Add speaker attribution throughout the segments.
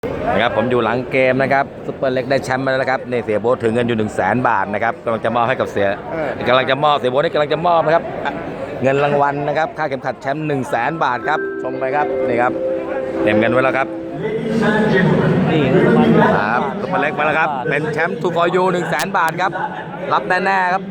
Speaker 1: นะครับผมอยู่หลังเกมนะครับซุปเปอร์เล็กได้แชมป์มาแล้วนะครับในเสียโบ๊ทถึงเงินอยู่100,000 บาทนะครับกำลังจะมอบให้กับเสียโบ๊ทนี่กำลังจะมอบนะครับเงินรางวัลนะครับค่าเข็มขัดแชมป์100,000 บาทครับชมไปครับนี่ครับเตรียมเงินไว้แล้วครับ
Speaker 2: นี่เงินรางวัล
Speaker 1: ครับซุปเปอร์เล็กมาแล้วครับเป็นแชมป์ทูฟอร์ยู100,000 บาทครับรับแน่ๆครับ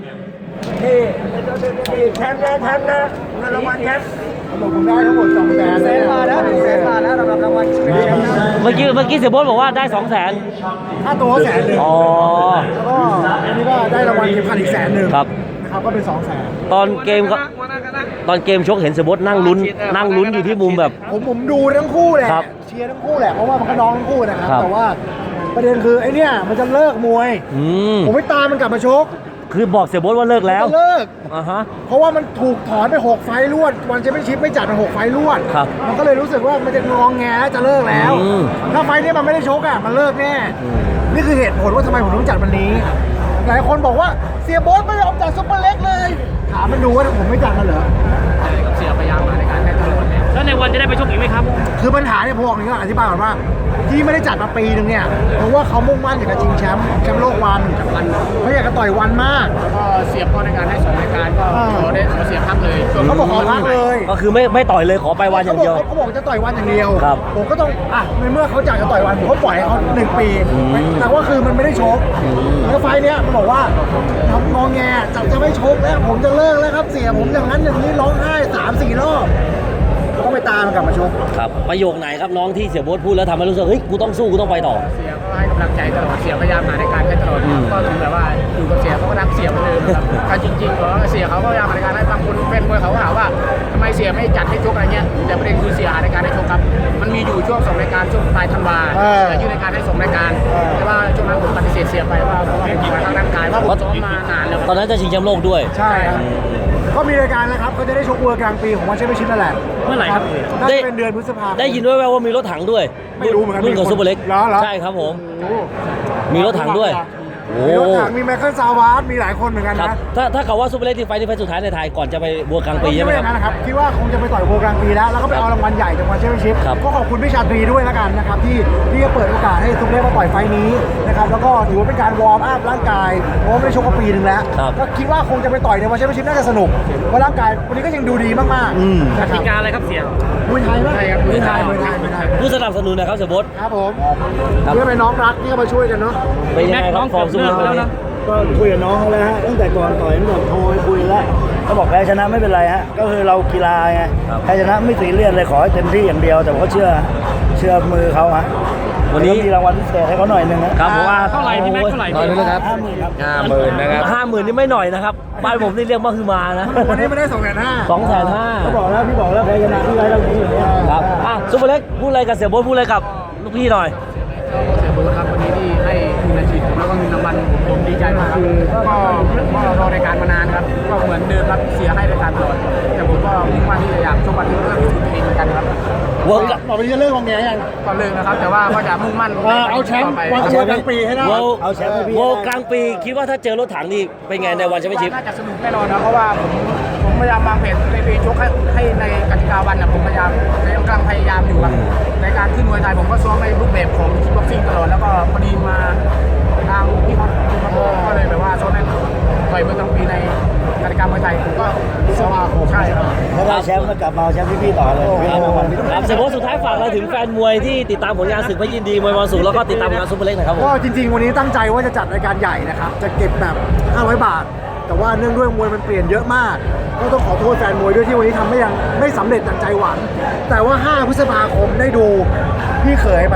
Speaker 3: แชมป์นะเงินรางวัลแชมป์ผมได้ทั้งหมด200,000 บาทแล้ว100,000 บาทแล้วสำหรับรางวัลแชมป์นะ
Speaker 2: เมื่อกี้เสียโบ๊ทบอกว่าได้200,000
Speaker 3: ค่าตัว100,000
Speaker 2: อ๋อ
Speaker 3: แล้วก็อันนี้ก็ได้รางวัลเข็มขัดอีก100,000
Speaker 2: ครับ
Speaker 3: นะครับก็เป็น200,000
Speaker 2: ตอนเกมชกเห็นเสียโบ๊ทนั่งลุ้นอยู่ที่มุมแบบ
Speaker 3: ผมดูทั้งคู่แหละ
Speaker 2: ครับ
Speaker 3: เชียร์ทั้งคู่แหละเพราะว่ามันก็น้องทั้งคู่นะครับ
Speaker 2: ครับ
Speaker 3: แต่ว่าประเด็นคือไอ้เนี่ยมันจะเลิกมวยผมไม่ตามมันกลับมาชก
Speaker 2: คือบอกเสียโบ๊ทว่าเลิกแล้ว
Speaker 3: เลิก
Speaker 2: ฮะ
Speaker 3: เพราะว่ามันถูกถอนไป6 ไฟล์รวดวันแชมเปี้ยนชิพไม่จัดมา6 ไฟล์รวด
Speaker 2: ครับ
Speaker 3: มันก็เลยรู้สึกว่ามันจะงองแงแล้วจะเลิกแล้วถ้าไฟล์นี้มันไม่ได้ชกอ่ะมันเลิกแน่นี่คือเหตุผลว่าทำไมผมต้องจัดวันนี้หลายคนบอกว่าเสียโบ๊ทไม่ยอมจัดซุปเปอร์เล็กเลยถามมันดูว่าผมไม่จัดมันเหรอ
Speaker 4: เสียพยายามมาในการให้ตลอด
Speaker 2: แล้วในวันจะได้ไปชกอีกไหมครับ
Speaker 3: คือปัญหาเนี่ยพวกนี้ก็อธิบายก่อนว่าที่ไม่ได้จัดมาปีนึงเนี่ยเพราะว่าเขามุ่งมั่นอยากจะชิงแชมป์โลกวันเขาอยากจะต่อยวันมาก
Speaker 4: แล้วก็เสียบเข้าในการให้2 รายการก็ขอเสียพักเลย
Speaker 3: เขาบอกขอพักเลย
Speaker 2: ก็คือไม่ต่อยเลยขอไปวันอย่างเดียว
Speaker 3: เขาบอกจะต่อยวันอย่างเดียว
Speaker 2: ครับ
Speaker 3: ผมก็ต้องในเมื่อเขาอยากจะต่อยวันผมก็ปล่อยให้เขา1 ปีแต่ว่าคือมันไม่ได้ชกแล้วไฟล์เนี้ยมันบอกว่าทำงอแงจะไม่ชกแล้วผมจะเลิกแล้วครับเสียผมอย่างนั้นอย่างนี้ร้องไห้3-4 รอบก็ไปตามกลับมาชก
Speaker 2: ครับประโยคไหนครับน้องที่เสียโบ๊ทพูดแล้วทำให้รู้สึกเฮ้ยกูต้องสู้กูต้องไปต่อ
Speaker 4: เสียก็ให้กำลังใจตลอดเสียพยายามมาในการให้ตลอดก็ถึงแบบว่าอยู่กับเสียเขาก็รักเสียเหมือนเดิมครับแต่จริงๆก็เสียเขาก็พยายามมาในการให้บางคนเป็นมวยเขาก็ถามว่าทำไมเสียไม่จัดให้ชกอะไรเงี้ยแต่ประเด็นคือเสียหาในการให้ชกครับมันมีอยู่ช่วง2 รายการช่วงปลายธันวายื่นในการให้2 รายการแต่ว่าช่วงนั้นผมปฏิเสธเสียไปว่าเพราะว่าผมป่วยทางร่างกายว่าผมซ้อมมานานแล้ว
Speaker 2: ตอนนั้นจะชิงแชมป์โลกด้วย
Speaker 3: ใช่ครับก็มีรายการนะครับเขาจะได้ชกเวิร์กลางปีของวันแชมเปี้ยนชิพนั่นแหละ
Speaker 2: เมื่อไหร่ครับ
Speaker 3: น่าจะเป็นเดือนพฤษภาคม
Speaker 2: ได้ยินด้วยว่ามีรถถังด้วย
Speaker 3: ไม่รู้เหมือนกัน
Speaker 2: รุ่นของซุปเปอร์เล็กใช่ครับผมมีรถถังด้วย
Speaker 3: มีรถถังมีไมเคิลซาวาร์ดมีหลายคนเหมือนกันนะ
Speaker 2: ถ้าเขาว่าซุปเปอร์เล็กที่ไฟที่ไฟสุดท้ายในไทยก่อนจะไปบัวกลางปีใช่ไหม
Speaker 3: ครับคิดว่าคงจะไปต่อยบัวกลางปีแล้วก็ไปเอารางวัลใหญ่จากวันแชมเปี้ยนชิพก็ขอบคุณพี่ชาตรีด้วยแล้วกันนะครับที่เปิดโอกาสให้ซุปเปอร์เล็กมาต่อยไฟนี้นะครับแล้วก็ถือว่าเป็นการวอร์มอัพร่างกายเพราะไม่ได้ชกมาปีนึงแล้วก็คิดว่าคงจะไปต่อยในวันแชมเปี้ยนชิพน่าจะสนุกเพราะร่างกายวันนี้ก็ยังดูดีมาก
Speaker 2: ๆกติกาอะไรครับเสีย
Speaker 3: มวยไทยไหมมวยไทย
Speaker 2: ผู้สนับสนุนนะครับเสียโบ๊ท
Speaker 3: ครับผมนี่เป็นน้องรักที่เข้ามาช่วยกันเนาะ
Speaker 2: เป็นยังไงครับฟอร์มซุปเปอร์เล็กแล้วนะ
Speaker 5: ก็คุยกับน้องเขาแล้วฮะตั้งแต่ก่อนต่อยตั้งแต่โทรไปคุยแล้วเขาบอกแพ้ชนะไม่เป็นไรฮะก็คือเรากีฬาไงแพ้ชนะไม่ซีเรียสเลยขอให้เต็มที่อย่างเดียวแต่ผมก็เชื่อมือเขาฮะ
Speaker 2: วันนี้
Speaker 5: มีรางวัลพิเศษให้เขาหน่อยนึงนะครับ
Speaker 2: ผมว่าเท่าไหร่พี่แม็กเท่าไหร่
Speaker 1: ตอนนี้นะครับ50,000นะครับ
Speaker 2: 50,000นี่ไม่หน่อยนะครับบ้านผมนี่เรียกว่าคือมานะ
Speaker 3: วันนี้ไม่ได้
Speaker 2: 250,000
Speaker 5: เขาบอกแล้วพี่บอกแล้วแพ้ชนะพี่ไว้เท่านี้อย่างเงี้ย
Speaker 2: ครับซุปเปอร์เล็กพูดอะไรกับเสียโบ๊ทพูดอะไรกับลูกพี่หน่อย
Speaker 4: เสียโบ๊ทครับวันนี้ที่ให้ทุนในชีวิตแล้วก็เงินรางวัลผมดีใจมากครับก็รอรายการมานานครับก็เหมือนเดิมครับเสียให้รายการตลอดแต่ผมก็มุ่งมั่นที่จะอยากชกวันที่เพื่อพิสูจน์ตัวเองเหมือนกันครับ
Speaker 3: ต่อไปจะเลิกวางแงยัง
Speaker 4: ก็เลิกนะครับแต่ว่าก็จะมุ่งมั่น
Speaker 3: เอาแชมป์วันกลางปีให้ได้
Speaker 5: เอาแชมป์ให้พี่
Speaker 2: กลางปีคิดว่าถ้าเจอรถถังนี่เป็นไงในวันแชมเปี้ยนชิพ
Speaker 4: น่าจะสนุกแน่นอนนะเพราะว่าผมพยายามวางแผนในปีชกให้ในกติกาวันนะผมพยายามกำลังพยายามอยู่ครับในการขึ้นมวยไทยผมก็ซ้อมในรูปแบบของคิกบ็อกซิ่งตลอดแล้วก็พอดีมาทางพี่เขาก็เลยแบบว่าซ้อมในต่อยมวยกลางปีในกติกามวยไทยผมก็ซ้อมใช่ครับ
Speaker 5: ถ้าได้แชมป์ก็กลับมาแชมป์พี่ต่อเลย
Speaker 2: ครับเสียโบ๊ทสุดท้ายฝากอะไรถึงแฟนมวยที่ติดตามผลงานศึกพระยินดีมวยมรสุมแล้วก็ติดตามผลงานซุปเปอร์เล็กนะครับ
Speaker 3: ก็จริงๆวันนี้ตั้งใจว่าจะจัดรายการใหญ่นะครับจะเก็บแบบ500 บาทแต่ว่าเนื่องด้วยมวยมันเปลี่ยนเยอะมากก็ต้องขอโทษแฟนมวยด้วยที่วันนี้ทำไม่สำเร็จดังใจหวังแต่ว่า5 พฤษภาคมได้ดูพี่เขยมัน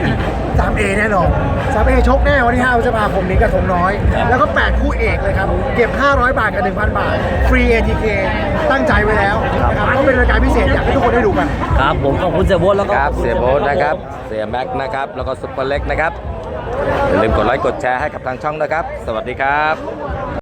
Speaker 3: 3A แน่นอน 3A ชกแน่วันที่5 พฤษภาคมนี้กระทงน้อยแล้วก็8 คู่เอกเลยครับเก็บ500 บาทกับ 1,000 บาทฟรี ATK ตั้งใจไว้แล้วนะครับก็เป็นรายการพิเศษอยากให้ทุกคนได้ดูกัน
Speaker 2: ครับผมขอบคุณเสียโบ๊ทแล้วก็
Speaker 1: เสียโบ๊ทนะครับเสียแม็กนะครับแล้วก็ซุปเปอร์เล็กนะครับอย่าลืมกดไลค์กดแชร์ให้กับทางช่องนะครับสวัสดีครับ